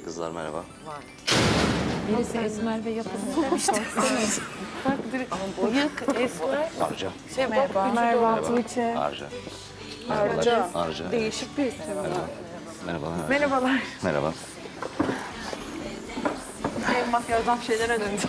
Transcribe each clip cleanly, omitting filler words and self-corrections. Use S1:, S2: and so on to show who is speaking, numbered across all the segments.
S1: Kızlar merhaba.
S2: Birisi Esmer ve yapın demişti.
S3: Bak direkt bıyık, esmer.
S1: Arca.
S3: Merhaba.
S4: Merhaba Tuğçe.
S1: Arca.
S3: Arca.
S1: Arca.
S3: Değişik bir isim.
S1: Merhaba.
S3: Merhabalar.
S1: Merhaba.
S3: Mafyadan şeylere döndü.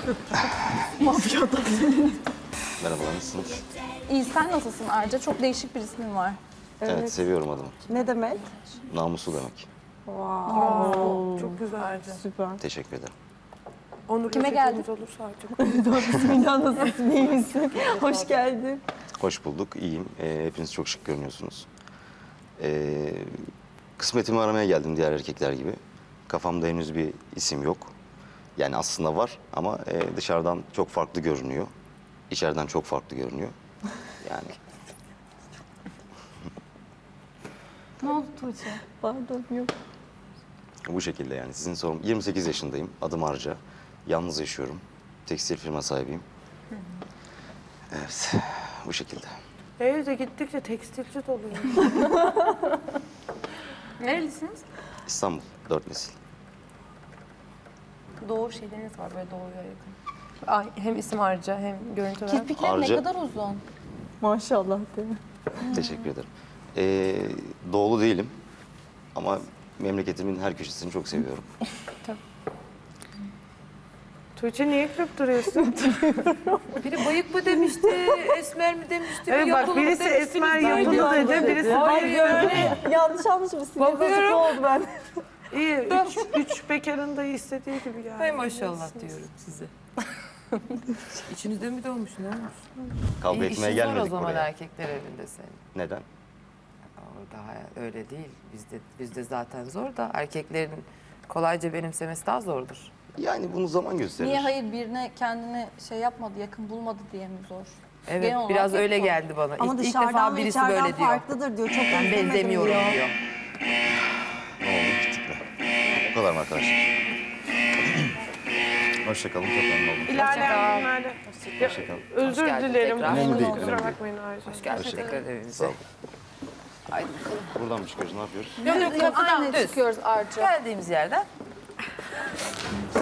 S1: Merhabalar, nasılsınız?
S4: İyi, sen nasılsın Arca? Çok değişik bir ismin var.
S1: Evet, seviyorum adımı.
S5: Ne demek?
S1: Namuslu demek.
S3: Çok güzel.
S5: Süper.
S1: Teşekkür ederim.
S3: Onur
S4: Kime
S3: lezzetimiz
S4: geldin?
S3: olursa artık.
S5: Bismillah, nasılsın? İyi misin? Hoş geldin.
S1: Hoş bulduk, iyiyim. Hepiniz çok şık görünüyorsunuz. Kısmetimi aramaya geldim diğer erkekler gibi. Kafamda henüz bir isim yok. Yani aslında var ama dışarıdan çok farklı görünüyor. İçeriden çok farklı görünüyor. Yani
S4: Ne oldu Tuğçe?
S5: Pardon, yok.
S1: bu şekilde yani. Sizin sorun. 28 yaşındayım, adım Arca. Yalnız yaşıyorum. Tekstil firma sahibiyim. Evet, bu şekilde.
S3: Evde gittikçe tekstilci doluyor.
S4: Nerelisiniz?
S1: İstanbul, 4 nesil.
S2: Doğu şeyleriniz var böyle doğuya yakın. Ay, hem isim harca hem görüntü olarak.
S4: Kirpikler
S1: Arca.
S4: ne kadar uzun.
S5: Maşallah değil mi?
S1: Teşekkür ederim. Doğulu değilim ama memleketimin her köşesini çok seviyorum.
S3: Tuğçe niye kırıp duruyorsun?
S2: Biri bayık mı demişti, esmer mi demişti,
S3: Evet bak
S2: yapılı mı
S3: birisi
S2: demiştiniz,
S3: esmer
S2: böyle
S3: yapılı dedi, birisi
S5: Hayır,
S3: bayık.
S5: yanlış anlaşılmışsın.
S2: Bakıyorum.
S5: Oldu ben.
S3: İyi, üç bekarın da istediği gibi yani.
S2: Hay maşallah diyorum size. İçinizde mi doğmuş, ne olmuş?
S1: Kavga etmeye
S2: İşin zor o
S1: gelmedik
S2: zaman
S1: buraya.
S2: erkekler evinde senin.
S1: Neden?
S2: Daha öyle değil. Bizde zaten zor da erkeklerin kolayca benimsemesi daha zordur.
S1: Yani bunu zaman gösterir.
S4: Niye hayır birine kendini şey yapmadı, yakın bulmadı diye mi zor?
S2: Evet,
S4: Genel olarak
S2: biraz
S4: hep
S2: öyle
S4: zor.
S2: geldi bana.
S5: Ama
S2: İlk
S5: dışarıdan
S2: defa
S5: ve
S2: birisi
S5: içeriden
S2: böyle diyor.
S5: farklıdır diyor. Çok
S2: Ben
S5: benzemedim
S2: benzemiyorum diyor.
S1: Ne oldu? Bittik mi? O kadar mı arkadaşlar? Hoşçakalın, çok memnun oldum.
S3: İlerleyen günlerde.
S1: Hoşçakalın.
S3: Özür
S2: Hoş geldin
S3: dilerim.
S2: tekrar.
S1: Önemli değil,
S3: Kusura
S1: önemli değil.
S3: bakmayın Arca.
S2: Hoş geldin
S1: Hoşçakalın.
S2: tekrar
S1: Sağ
S2: evimize.
S1: olun.
S2: Haydi bakalım.
S1: Buradan mı çıkıyoruz, ne yapıyoruz?
S2: Yok yok, kapıdan
S4: Aynen
S2: düz.
S4: çıkıyoruz Arca.
S2: Geldiğimiz yerden.